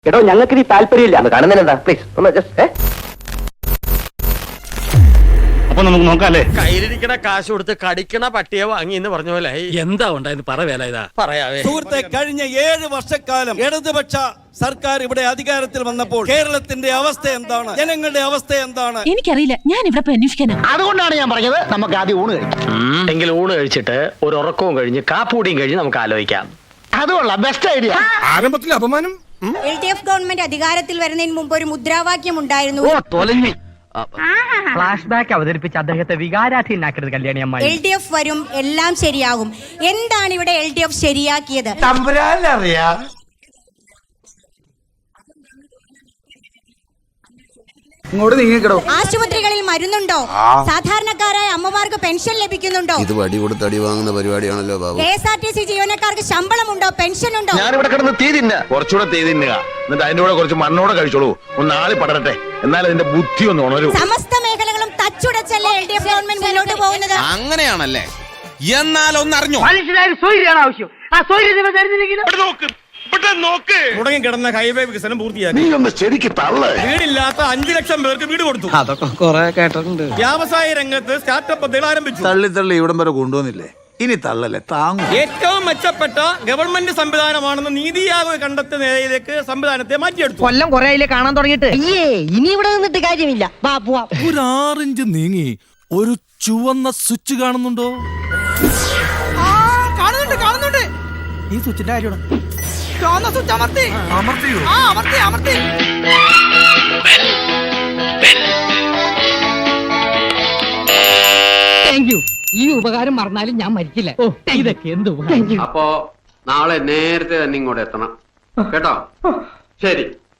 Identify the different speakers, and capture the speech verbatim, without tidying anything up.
Speaker 1: എടോ ഞങ്ങൾക്ക് ഈ താല്പര്യമില്ല കാണുന്നതിനെന്താ പ്ലീസ് ഒന്ന് ജസ്റ്റ്
Speaker 2: അപ്പൊ നമുക്ക് നോക്കാല്ലേ.
Speaker 3: കയ്യിലിരിക്കണ കാശ് കൊടുത്ത് കടിക്കണ പട്ടിയെ വാങ്ങി എന്ന് പറഞ്ഞ പോലെ
Speaker 2: എന്താ ഉണ്ടായെന്ന് പറ വേല ഇതാ
Speaker 3: പറയാവേ.
Speaker 4: സുഹൃത്തെ, കഴിഞ്ഞ ഏഴ് വർഷക്കാലം ഇടതുപക്ഷ സർക്കാർ ഇവിടെ അധികാരത്തിൽ വന്നപ്പോൾ കേരളത്തിന്റെ അവസ്ഥ എന്താണ്, ജനങ്ങളുടെ അവസ്ഥ എന്താണ്
Speaker 5: എനിക്കറിയില്ല. ഞാൻ ഇവിടെ പോയി അന്വേഷിക്കാനാ.
Speaker 1: അതുകൊണ്ടാണ് ഞാൻ പറഞ്ഞത് നമുക്ക് ആദ്യം ഊണ് കഴിക്കാം.
Speaker 3: എങ്കിൽ ഊണ് കഴിച്ചിട്ട് ഒരു ഉറക്കവും കഴിഞ്ഞ് കാപ്പൂടിയും കഴിഞ്ഞ് നമുക്ക് ആലോചിക്കാം.
Speaker 1: അതുകൊള്ളാം, ബെസ്റ്റ് ഐഡിയ.
Speaker 2: ആരംഭത്തിൽ അപമാനം.
Speaker 6: എൽ ഡി എഫ് ഗവൺമെന്റ് അധികാരത്തിൽ വരുന്നതിന് മുമ്പ് ഒരു മുദ്രാവാക്യം ഉണ്ടായിരുന്നു.
Speaker 7: ഫ്ലാഷ് ബാക്ക് അവതരിപ്പിച്ച് അദ്ദേഹത്തെ വികാരാധീനാക്കരുത് കല്യാണി അമ്മായി.
Speaker 6: എൽ ഡി എഫ് വരും, എല്ലാം ശരിയാകും. എന്താണ് ഇവിടെ എൽ ഡി എഫ് ശരിയാക്കിയത്? ആശുപത്രികളിൽ മരുന്നുണ്ടോ? സാധാരണക്കാരായ അമ്മമാർക്ക് പെൻഷൻ ലഭിക്കുന്നുണ്ടോ?
Speaker 8: ഇത് വടി കൊടുത്ത് അടി വാങ്ങുന്ന പരിപാടിയാണല്ലോ Babu.
Speaker 6: K S R T C ജീവനക്കാർക്ക് ശമ്പളമുണ്ടോ? പെൻഷൻ ഉണ്ടോ?
Speaker 9: ഞാനിവിടെ കിടന്ന് തീ തിന്ന കുറച്ചുകൂടെ തീ തിന്നുക, എന്നിട്ട് അതിന്റെ കൂടെ കുറച്ച് മണ്ണോടെ കഴിച്ചോളൂ. ഒന്ന് ആളി പടരട്ടെ, എന്നാൽ അതിന്റെ ബുദ്ധി ഒന്ന് ഉണരൂ.
Speaker 6: സമസ്ത മേഖലകളും തച്ചുടച്ചല്ലേ എൽ ഡി എഫ് ഗവൺമെന്റ് മുന്നോട്ട് പോകുന്നത്?
Speaker 8: അങ്ങനെയാണല്ലേ? എന്നാൽ ഒന്നറിഞ്ഞോ,
Speaker 7: മനുഷ്യനായ സ്വൈര്യാണ് ആവശ്യം. ആ സ്വൈര്യം നിങ്ങൾ തരുന്നില്ലെങ്കിൽ
Speaker 4: മുടങ്ങി കിടന്ന ഹൈവേ വികസനം പൂർത്തിയാക്കി.
Speaker 9: നീ ഒന്ന് ശരിക്ക് തള്ളേ.
Speaker 4: വീടില്ലാത്ത അഞ്ചു ലക്ഷം പേർക്ക് വീട് കൊടുത്തു.
Speaker 7: അതൊക്കെ കുറെ കേട്ടിട്ടുണ്ട്.
Speaker 4: വ്യവസായ രംഗത്ത് സ്റ്റാർട്ടപ്പ് പദ്ധതികൾ ആരംഭിച്ചു.
Speaker 8: തള്ളി തള്ളി ഇവിടം വരെ കൊണ്ടുവന്നില്ലേ, ഇനി തള്ളല്ലേ താങ്ങും.
Speaker 4: ഏറ്റവും മെച്ചപ്പെട്ട ഗവൺമെന്റ് സംവിധാനമാണെന്ന് നീതി ആയോഗ് കണ്ടെത്തിയ നിലയിലേക്ക് സംവിധാനത്തെ മാറ്റിയെടുത്തു.
Speaker 7: കൊല്ലം കുറെ ആയില്ലേ കാണാൻ തുടങ്ങിയിട്ട്.
Speaker 5: ഇനി ഇവിടെ നിന്നിട്ട് കാര്യമില്ല.
Speaker 10: ഒരു ആറിഞ്ച് നീങ്ങി ഒരു ചുവന്ന സ്വിച്ച് കാണുന്നുണ്ടോ?
Speaker 7: കാണുന്നുണ്ട് കാണുന്നുണ്ട്. ഈ സ്വിച്ചിന്റെ കാര്യമാണ്. സ്വിച്ച് അമർത്തി
Speaker 10: അമർത്തിയോ?
Speaker 7: ആ അമർത്തി അമർത്തി. Thank you. ഈ ഉപകാരം മറന്നാലും ഞാൻ മരിക്കില്ല. ഇതൊക്കെ എന്ത്
Speaker 11: അപ്പോ നാളെ നേരത്തെ തന്നെ ഇങ്ങോട്ട് എത്തണം കേട്ടോ. ശരി.